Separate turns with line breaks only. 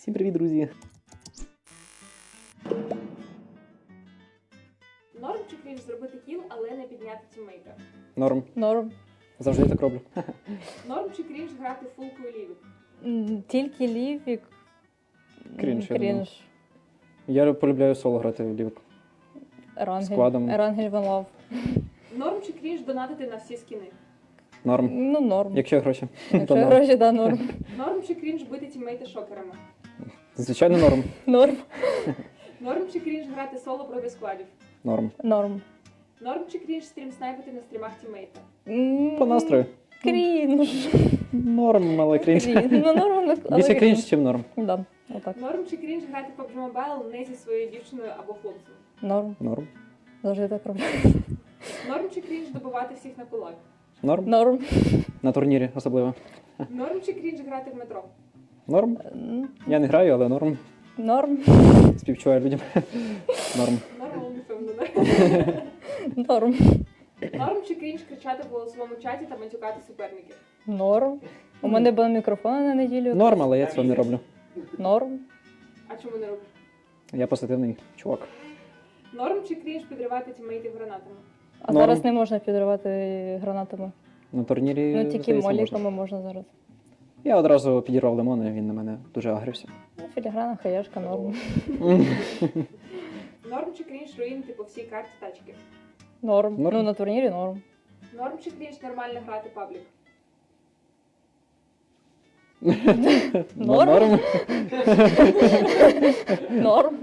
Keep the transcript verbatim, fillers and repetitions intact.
Всім привіт, друзі!
Норм чи крінж зробити кіл, але не підняти тіммейта?
Норм.
Норм.
Завжди так роблю.
Норм чи крінж грати фулку і лівік?
М, Тільки лівік. м,
Крінж, я думаю.
Крінж.
Я полюбляю соло грати в лівик.
Ерангель.
Складом.
Ерангель One Love.
Норм чи крінж донатити на всі скіни?
Норм.
Ну, норм.
Якщо є гроші.
Якщо
то норм.
гроші, да, норм.
Норм чи крінж бити тіммейта шокерами?
Звичайно, норм.
Норм.
Норм чи крінж грати соло проти складів?
Норм.
Норм.
Норм чи крінж стрім снайпити на стрімах тіммейта?
М,
По настрою.
Крінж.
Норм, але крінж.
Крінж. Ну, норм, але
Більше крінж, чим норм.
Да, отак.
Норм чи крінж грати пабг Mobile не зі своєю дівчиною або хлопцем?
Норм.
Норм.
Завжди так роблю.
Норм чи крінж добивати всіх на кулак?
Норм.
Норм.
На турнірі особливо.
Норм чи крінж грати в метро?
Норм.
М,
Я не граю, але норм.
Норм.
Співчуваю людям. Норм.
Норм, не впевнена.
Норм.
Норм чи крінж кричати в голосовому чаті та матюкати суперників?
Норм. У мене були мікрофони на неділю.
Норм, але я цього не роблю.
Норм.
А чому не робиш?
Я позитивний чувак.
Норм чи крінж підривати тіммейтів гранатами?
А
Норм.
зараз не можна підривати гранатами.
На турнірі,
Ну, тільки
здається,
моліками
можна.
можна зараз.
Я одразу підірвав лимон, і він на мене дуже агрився.
Ну, філіграна, хаяшка, норм.
Норм чи крінж руїнити по всій карті тачки?
Норм.
Норм.
Ну, на турнірі норм.
Норм чи крінж нормально грати паблік?
Норм.
Норм.
Норм.